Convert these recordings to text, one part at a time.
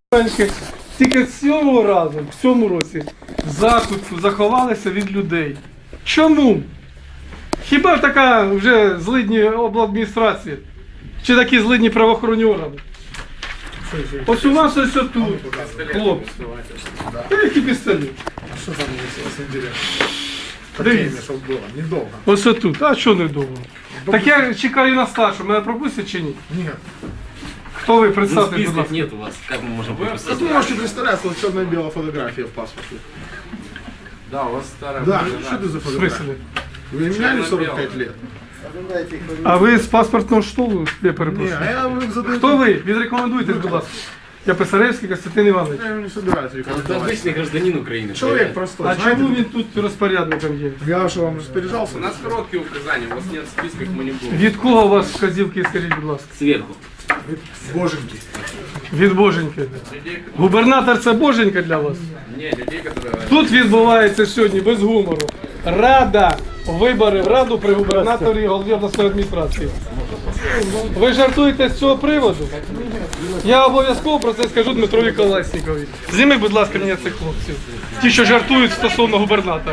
Тільки цього разу, в цьому році, в закутку заховалися від людей. Чому? Хіба така вже злидні обладміністрації? Чи такі злидні правоохоронні органи? Ось у вас ось тут, хлопці. Який пістолет? Что там вас интересно? Дивіться. Чтобы было. Недолго. Ось тут. А що недовго? Так я чекаю на старшу. Мене пропустять чи ні? Нет. Хто ви? Ну, Представте, будь списков ласка. нет у вас, как мы можем выписать? Вы можете представляться, вот черно-белая фотография в паспорте. Да, у вас старая. Да, что это за В фотография? смысле? Вы меняли 45 лет? А ви з паспортного штолу? Я Не, перепрошую. а я вам задаю... Хто ви? Відрекомендуйтесь, будь ласка. Я Писаревський Костянтин Іванович. Я не собираюсь Это рекомендовать. обычный гражданин Украины. Человек простой, А знаете? чому він тут розпорядником є? Я что, вам распоряжался? У нас короткие указания, у вас нет списков, мы не будем. Від кого у вас вказівки, скажіть, будь ласка? Сверху. Боженьки. Від Боженьки. Губернатор це Боженька для вас? Не, людей, которые... Тут відбувається сьогодні без гумору. Рада, вибори в Раду при губернаторі і голові обласної адміністрації. Ви жартуєте з цього приводу? Я обов'язково про це скажу Дмитрові Колеснікові. Зніми, будь ласка, мені цих хлопців. Ті, що жартують стосовно губернатора.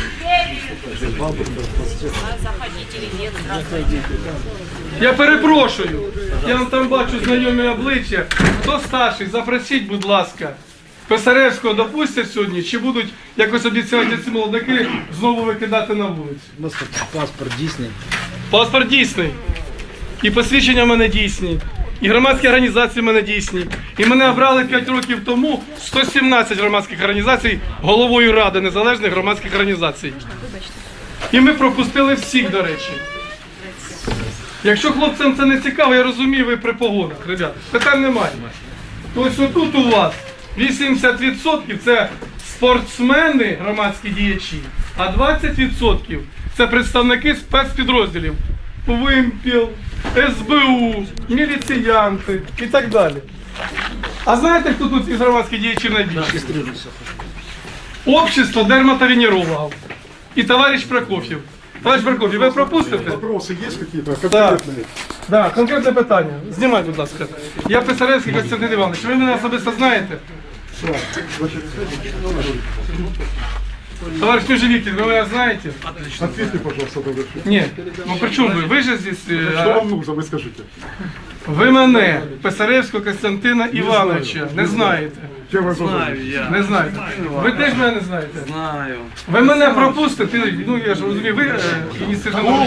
Заходите или нет, здравствуйте. Я перепрошую. Я там бачу знайомі обличчя. Хто старший, запросіть, будь ласка. Писаревського допустять сьогодні, чи будуть якось обіцяти ці молодики знову викидати на вулицю? У нас паспорт дійсний. Паспорт дійсний. І посвідчення в мене дійсні. І громадські організації в мене дійсні. І мене обрали 5 років тому 117 громадських організацій головою Ради незалежних громадських організацій. І ми пропустили всіх, до речі. Якщо хлопцям це не цікаво, я розумію, ви при погонах, ребят. Питань немає. Тобто отут у вас 80% це спортсмени, громадські діячі, а 20% це представники спецпідрозділів. ВИМПІЛ, СБУ, міліціянти і так далі. А знаєте, хто тут із громадських діячів найбільше? Общество дерматовенерологів і товариш Прокоф'єв. Товариш Прокоф'єв, ви пропустите? Вопросы есть какие-то Так, конкретные? да, конкретне питання. Знімайте, будь ласка. Я Писаревський Костянтин Іванович. Ви мене особисто знаєте? Товарищ Межевикин, вы меня знаете? Ответьте, пожалуйста, на вопрос. Нет. Ну при чем вы? Вы же здесь... Что вам нужно, вы скажите? Ви мене, Писаревського Костянтина Івановича, не знаєте. Чем вы знаю Не знаєте. Ви теж мене не знаєте. Знаю. Ви мене пропустите, ну я ж розумію, ви ініціативно.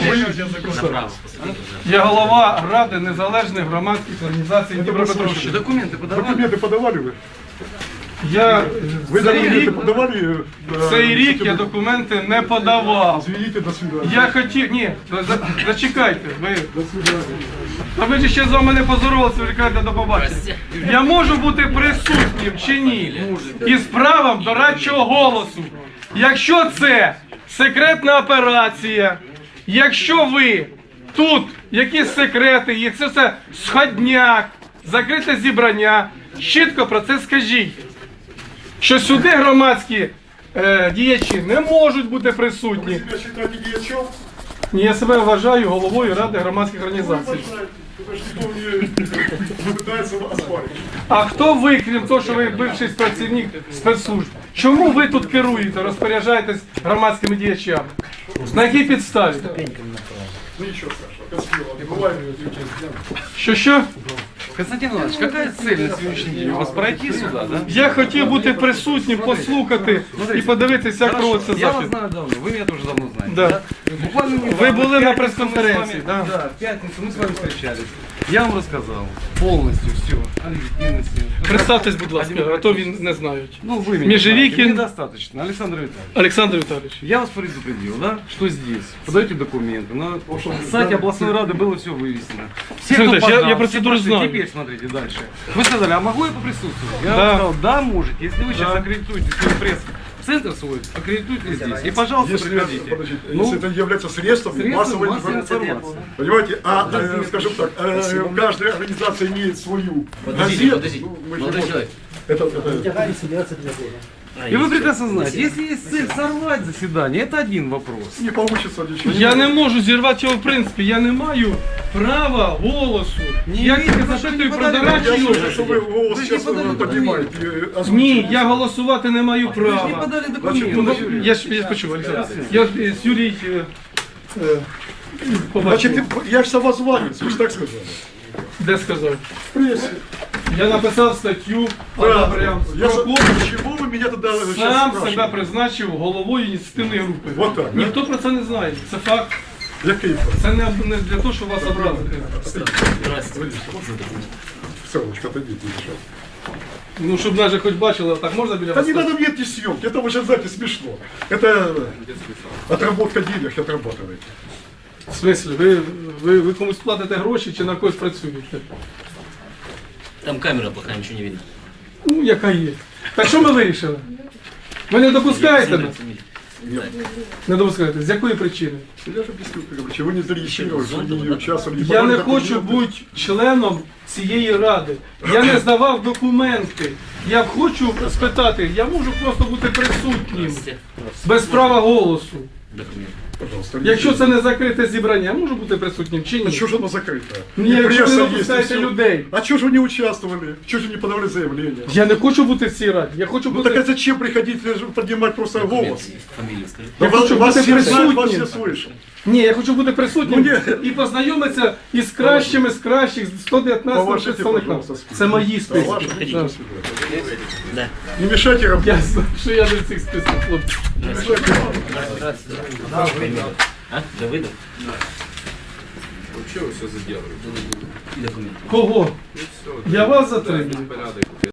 Я голова Ради незалежних громадських організацій Дніпропетровщини. Документы подавали? Документы подавали вы? Я Вы цей документы рік, подавали? цей рік я документи не подавав. Извините, до свидания. Я хотів, ні, зачекайте, ви, До свидания. а ви ж ще з вами не позорувалися, ви кажете до побачення. Я можу бути присутнім чи ні? Із правом дорадчого голосу. Якщо це секретна операція, якщо ви тут якісь секрети, якщо це сходняк, закрите зібрання, чітко про це скажіть. Що сюди громадські діячі не можуть бути присутні. Себя считаете дьячом? Ні, я себе вважаю головою Ради громадських організацій. Никто не пытается вас оспорить. А хто ви, крім того, що ви бивший працівник спецслужб? Чому ви тут керуєте, розпоряджаєтесь громадськими діячами? На якій підставі? Ну ничего, Саша, красиво. Бывает. Що? Константин Иванович, какая цель на сегодняшний день? У вас пройти сюда, да? Я хотів бути присутнім, послухати і подивитися, як проводиться Я вас захід. знаю давно, вы меня тоже давно знаете. Да. Буквально недавно, Вы были в на пятницу пресс-конференции, мы с да? вами- Да, в пятницу мы с вами встречались. Я вам рассказал полностью все о легитимности. Представтесь, будь ласка, а то він не знають. Ну, вы меня Межевикин. знаете, недостаточно. Александр Витальевич, Олександр Віталійович. я вас предупредил, да, что здесь подаете документы. На сайте областной рады было все вывесено. Все, кто Смотрите, я подал, процедуру все прошли. знаю. Теперь смотрите дальше. Вы сказали, а могу я поприсутствовать? Я Да. вам сказал, да, можете. Если вы сейчас Да. аккредитуете свой пресс-центр свой, аккредитуйте здесь. И, пожалуйста, Если, приходите. подождите, Ну, если это является средством средства массовой массовой информации. информации. Понимаете, скажем так, каждая организация имеет свою газету. Подождите, Ну, мы же молодой можем- человек. Это, И вы прекрасно знаете, если есть цель сорвать заседание, это один вопрос. Не получится ничего. Я не можу зірвати його в принципі, я не маю права голосу. Я видите, тільки за что запитую не про подали Я дорадчий слышу, офіс. что вы голос Вы же сейчас не подали поднимаете. Ні, я голосувати не маю Вы же не права. подали Значит, документы. Я почув, Олександр. Я з Юрій побачив. Значит, я же самозванец, вы же так сказали. Де сказав? В прессе. Я написав статтю, Правильно. прям Я про клуб. Почему вы меня тогда сейчас Сам себе спрашиваете? призначив головою ініціативної групи. Вот так, да? Ніхто про це не знає. Це факт. Який факт? Це не для того, щоб вас образити. Селочка, отойдите, еще. Ну, щоб навіть хоч бачили, так можна біля Да вас? не надо мне эти съемки, это уже, знаете, смешно. Это отработка денег отрабатываете. В смислі, ви комусь платите гроші чи на когось працюєте? Там камера плохая, ничего не видно. Ну, яка є. Так що ми вирішили? Ви не допускаєте нас? Не допускаєте. З якої причини? Я же объяснил, короче, вы не зарегистрировались, вы не участвовали. Я не хочу бути членом цієї ради. Я не здавав документи. Я хочу спитати, я можу просто бути присутнім, без права голосу. Документ. Пожалуйста, Якщо це не закрите зібрання, я можу бути присутнім чи А ні? что же оно закрыто? Ні, И якщо ви пресса не есть, и допускаєте всё. людей. А чего же вы не участвовали? Чего же не подавали заявление? Я не хочу бути в цій раді. Я хочу Ну так а бути... зачем приходить поднимать просто голос? Фамилию скажи. Я хочу вас бути все знают, вас все присутнім. слышат. Ні, я хочу бути присутнім Ну, ні. і познайомитися із кращими з кращих, з 119 Поважайте, представниками. пожалуйста, список. Це мої списки. Ваши, Да. до свидания. Да. Не мешайте работать. Я знаю, що я не в цих списках, хлопці. А? Давыдов? Вообще вы все задерживаете. И документ. Кого? Я вас затримую. Порядок.